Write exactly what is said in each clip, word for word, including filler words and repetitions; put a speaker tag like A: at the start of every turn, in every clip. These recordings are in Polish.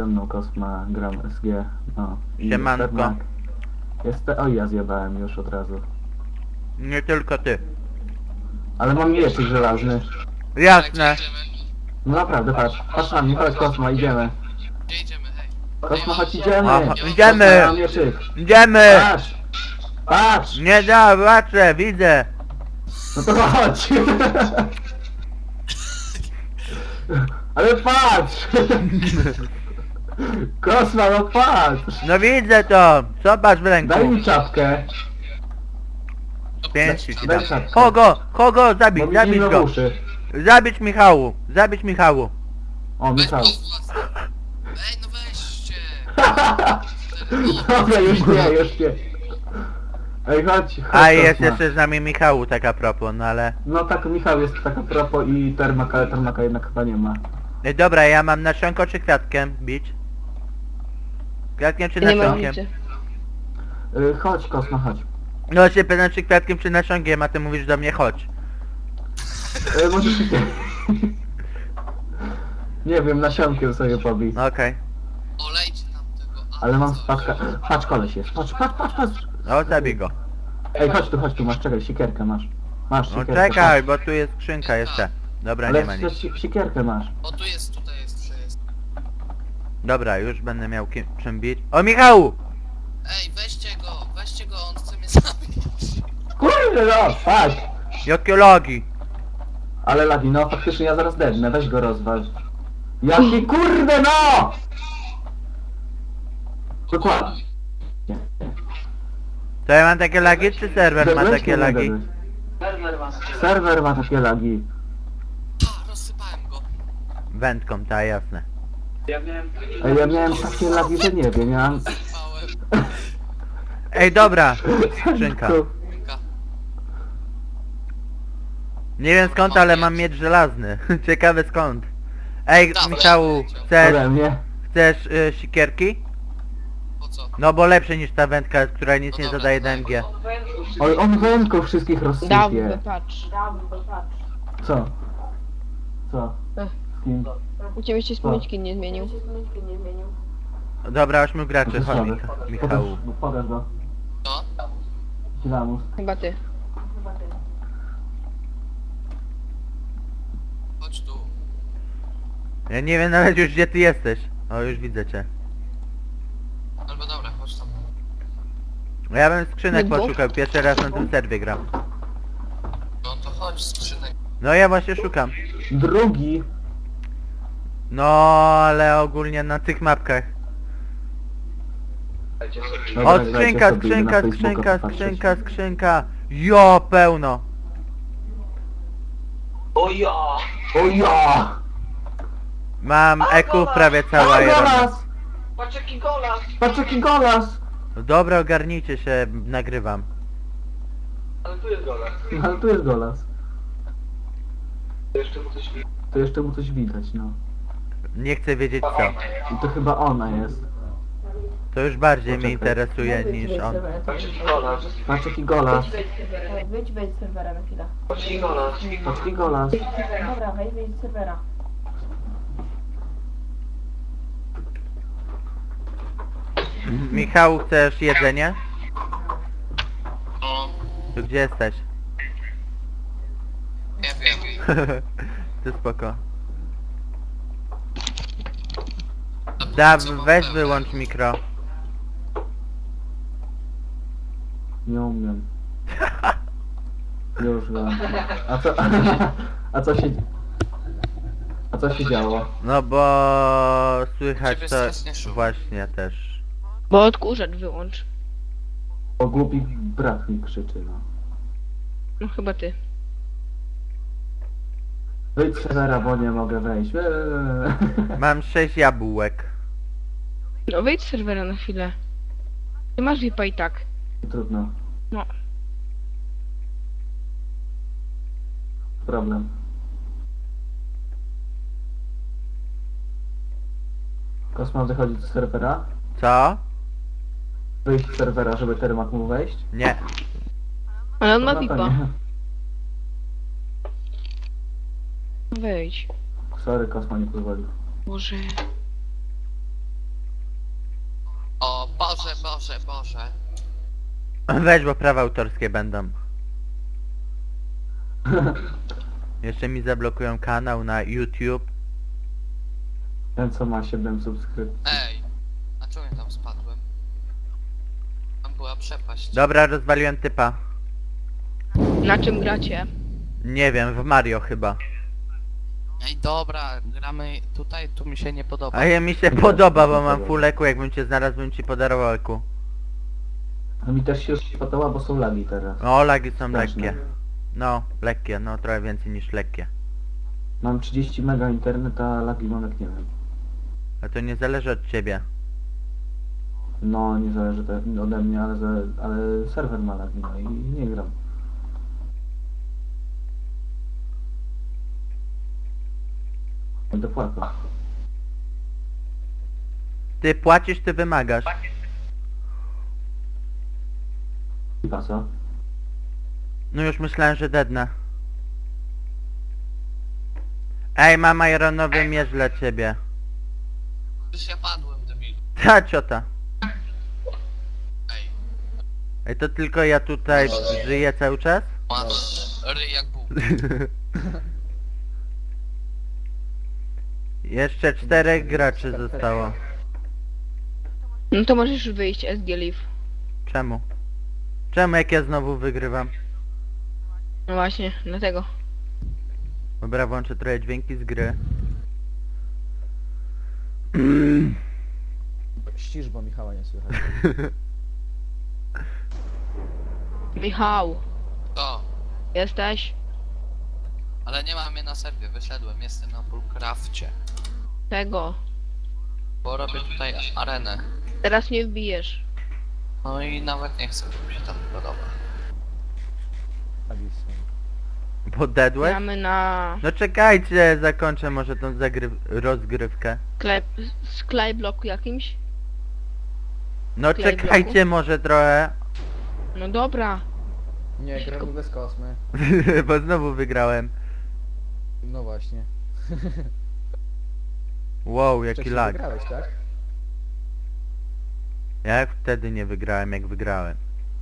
A: Ze mną Kosma, gram S G, no. I
B: Siemanko.
A: Termak. Jest te... Oj, ja zjebałem już od razu.
B: Nie tylko ty.
A: Ale mam mieczyk żelazny.
B: Jasne.
A: No naprawdę, patrz. Patrz na mnie, chodź Kosma, idziemy.
C: Gdzie idziemy, hej?
A: Kosma, chodź, idziemy.
B: Aha,
A: Kosma,
B: idziemy.
A: ja mam mieczyk.
B: Idziemy!
A: Patrz! Patrz!
B: Nie da, patrzę, widzę.
A: No to chodź! Ale patrz! Kosma, no patrz!
B: No widzę to. Zobacz w ręku.
A: Daj mi czapkę.
B: Pięści ci
A: Daj
B: dam.
A: czapkę.
B: Kogo? Kogo?
A: Bo
B: Zabić,
A: mi
B: zabić
A: zimno w
B: go.
A: uszy.
B: Zabić Michału. Zabić Michału.
A: O,
C: Weź
A: Michał.
C: pozwól. Ej, no weźcie!
A: Dobra, już nie, już nie. Ej, chodź, chodź.
B: A jest
A: Kosma.
B: jeszcze z nami Michału, tak a propos, no ale...
A: No tak, Michał jest tak a propos i Termaka, ale Termaka jednak chyba nie ma.
B: Ej, dobra, ja mam nasionko czy kwiatkiem bić? Kwiatkiem czy
D: Nie ma
B: nasionkiem?
D: nic.
A: Y, chodź, Kosma, chodź.
B: No się pytam czy kwiatkiem czy nasionkiem, a ty mówisz do mnie chodź.
A: Y, możesz się... Nie wiem, nasionkiem sobie pobij.
B: No okej.
C: Olejcie nam tego. a-
A: Ale mam
C: coś.
A: spadka... Patrz, koleś jest. Patrz, patrz, patrz, patrz.
B: No zabij go.
A: Ej, chodź tu, chodź tu, masz, czekaj, sikierkę masz. Masz
B: No
A: sikierkę.
B: czekaj, bo tu jest skrzynka jeszcze. Dobra,
A: Ale
B: nie ma nic.
A: si- sikierkę masz.
C: O, tu jest, tutaj jest, że jest.
B: Dobra, już będę miał kim, czym bić. O Michału!
C: Ej, weźcie go, weźcie go, on chce mnie zabić.
A: Kurde no, patrz.
B: Jakie logi!
A: Ale lagi, no faktycznie ja zaraz dednę, weź go rozwal. Jaki kurde no! Dokładnie.
B: To ja mam takie lagi, czy serwer ma
A: Dedłeś,
B: takie
A: nie
B: lagi?
A: dedłeś? Serwer ma takie lagi.
C: Ha, rozsypałem go.
B: Wędką, ta jasne.
A: Ej, ja miałem takie lagi, że nie wiem, ja mam...
C: Sypałem.
B: Ej, dobra! Skrzynka.
C: Ręka.
B: Nie wiem skąd, ale mam miecz żelazny. Ciekawe skąd. Ej,
C: Dobra.
B: Michału, chcesz,
A: Ode mnie.
B: chcesz y, sikierki?
C: Po co?
B: No bo lepsze niż ta wędka, która nic nie
C: No dobra,
B: zadaje do
C: daj.
B: M G.
A: Oj, on wędką wszystkich
D: Dawno,
A: rozsypie.
D: patrz.
A: Co? Co?
D: Ech.
A: Z kim?
D: U ciebie się spółeczki nie zmienił.
B: Dobra, ośmiu graczy, chodź
A: Słaby.
B: Micha Michału.
A: Pokaż, pokaż go.
C: No?
A: Lamus.
D: Chyba ty.
C: Chodź tu.
B: Ja nie wiem nawet już gdzie ty jesteś. O, już widzę cię.
C: Albo dobra, chodź tam.
B: Ja bym skrzynek
D: Dwóch?
B: poszukał, pierwszy raz na tym serwie gram.
C: No to chodź, skrzynek.
B: No ja właśnie szukam.
A: Drugi.
B: No, ale ogólnie na tych mapkach.
A: Dobra,
B: O,
A: dajcie
B: skrzynka,
A: sobie na
B: skrzynka,
A: Facebooka
B: skrzynka,
A: popatrzeć.
B: skrzynka, skrzynka. Jo, pełno.
A: O ja!
B: Mam eku prawie cała
A: O,
B: Irona.
A: golas! Patrz jaki golas!
B: Dobra, ogarnijcie się, nagrywam.
A: No, ale tu jest golas. To jeszcze mu coś widać, no.
B: Nie chcę wiedzieć co.
A: I to chyba ona jest.
B: To już bardziej mnie
A: Poczekaj.
B: interesuje niż on.
A: Patrz jaki golas.
E: Wyjdź, wejdź z serwera na chwilę.
A: Patrz jaki golas.
E: Dobra, wejdź, wejdź z serwera.
B: Michał, chcesz jedzenie?
C: No,
B: Tu gdzie jesteś?
C: nie wiem.
B: Ty spoko.
C: Zapomnij,
B: Da,
C: co mam
B: weź
C: pełne.
B: wyłącz mikro.
A: Nie umiem. Już wiem. A co... A co się... A co się działo?
B: No bo słychać
C: Ciebie
B: to
C: strasznie szum.
B: właśnie też.
D: Bo odkurzacz wyłącz.
A: O głupi brat mi krzyczy, no.
D: No chyba ty.
A: Wyjdź z serwera, bo nie mogę wejść. Eee.
B: Mam sześć jabłek.
D: No wejdź z serwera na chwilę. Ty masz V I P i tak.
A: Trudno.
D: No.
A: Problem. Kosma wychodzi z serwera.
B: Co?
A: Wyjść z serwera, żeby Termak mógł wejść.
B: Nie.
D: Ale on ma
A: No
D: V I
A: to
D: P a.
A: nie.
D: Wejdź.
A: Sorry, Kosma nie pozwolił.
D: Boże.
C: Boże, Boże, Boże.
B: Weź, bo prawa autorskie będą. Jeszcze mi zablokują kanał na YouTube.
A: Ten co ma siedem subskrypcji.
C: Ej. A czemu ja tam spadłem? Tam była przepaść.
B: Dobra, rozwaliłem typa.
D: Na czym gracie?
B: Nie wiem, w Mario chyba.
C: Ej, dobra, gramy tutaj, tu mi się nie podoba.
B: A ja mi się podoba, bo mam full eku, jakbym cię znalazł, bym ci podarował eku.
A: A mi też się już podoba, bo są lagi teraz.
B: O, lagi są
A: Straszne.
B: lekkie. No, lekkie, no trochę więcej niż lekkie.
A: Mam trzydzieści mega internet, a lagi mam jak nie wiem.
B: A to nie zależy od ciebie.
A: No nie zależy to ode mnie, ale, za, ale serwer ma lagi, no i nie gram. Będę płakał.
B: Ty płacisz, ty wymagasz.
A: A co?
B: No już myślałem, że dednę. Ej, mam ironowy miecz dla ciebie.
C: Już ja padłem, debil.
B: Ta ciota.
C: Ej,
B: Ej, to tylko ja tutaj żyję cały czas?
C: masz ryj jak Bóg.
B: Jeszcze czterech graczy zostało.
D: No to możesz wyjść, S G Live.
B: Czemu? Czemu jak ja znowu wygrywam?
D: No właśnie, dlatego.
B: Dobra, włączę trochę dźwięki z gry.
F: Ścisz, bo Michała nie słychać.
D: Michał,
C: To.
D: jesteś?
C: Ale nie mam mnie na serwie, wyszedłem, jestem na Bullcrafcie.
D: Tego.
C: Bo robię tutaj arenę.
D: Teraz nie wbijesz.
C: No i nawet nie chcę, bo mi się tam podoba.
F: Alison.
B: Bo dedłeś?
D: Gramy na
B: No czekajcie, zakończę może tą zagry- rozgrywkę.
D: sklep, skybloku jakimś.
B: No
D: Klej
B: czekajcie może trochę.
D: No dobra.
F: Nie, gramy bez kosmy.
B: Bo znowu wygrałem.
F: No właśnie.
B: Wow, jaki
F: Wcześniej
B: lag.
F: wygrałeś, tak?
B: Ja wtedy nie wygrałem, jak wygrałem.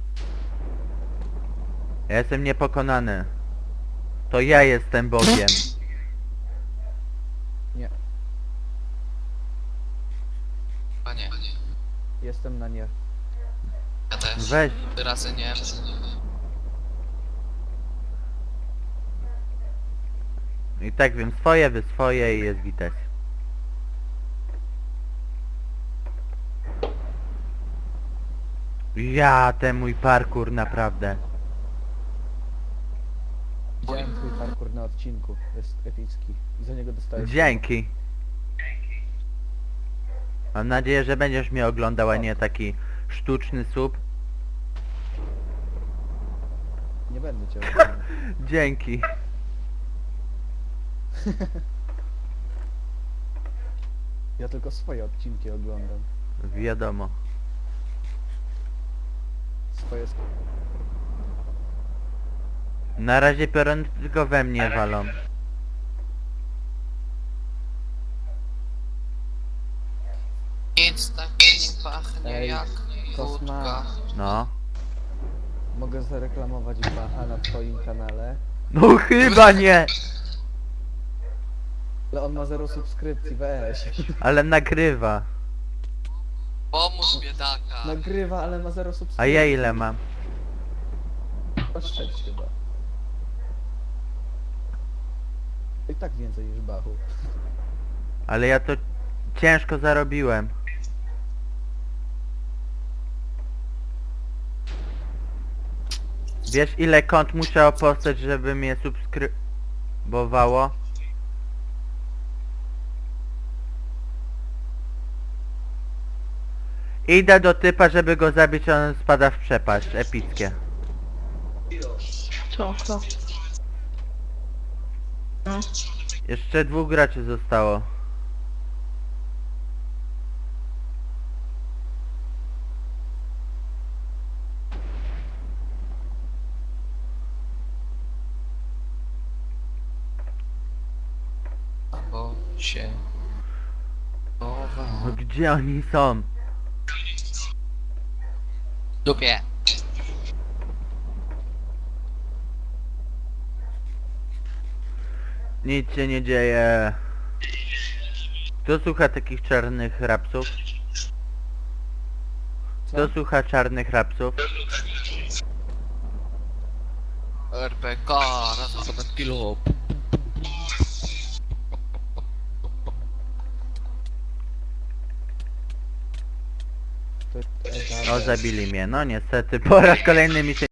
B: Ja jestem niepokonany. To ja jestem Bogiem.
F: Nie.
C: A nie,
F: Jestem na nie.
C: ja też.
B: Weź.
C: Trzy razy nie.
B: I tak wiem, swoje, wy swoje i jest gites. Ja, ten mój parkour naprawdę.
F: Widziałem twój parkour na odcinku. Jest epicki. I za niego dostałeś...
B: Dzięki. Mam nadzieję, że będziesz mnie oglądał, a nie taki sztuczny sub.
F: Nie będę cię oglądał.
B: Dzięki.
F: Ja tylko swoje odcinki oglądam.
B: Wiadomo.
F: Swoje... sk-
B: Na razie piorun tylko we mnie walą.
C: Nic tak nie pachnie
F: Ej,
C: jak
F: Kosma.
C: wódka.
B: No.
F: Mogę zareklamować Bacha na twoim kanale.
B: No chyba nie!
F: Ale on ma zero subskrypcji, weź.
B: Ale nagrywa.
C: Pomóż biedaka.
F: Nagrywa, ale ma zero subskrypcji.
B: A ja ile mam?
F: Oszczędź chyba. I tak więcej niż Bachu.
B: Ale ja to ciężko zarobiłem. Wiesz ile kont musiało powstać, żeby mnie subskrybowało? Idę do typa, żeby go zabić, a on spada w przepaść. Epickie.
D: Co? Co? No.
B: Jeszcze dwóch graczy zostało.
C: Bo się... chowa.
B: No gdzie oni są?
C: Dupie.
B: Nic się nie dzieje. Kto słucha takich czarnych rapsów?
F: Co?
B: Kto słucha czarnych rapsów?
C: R P K, raz na ponad kilo.
F: To,
B: O, zabili mnie. No niestety, po raz kolejny mi się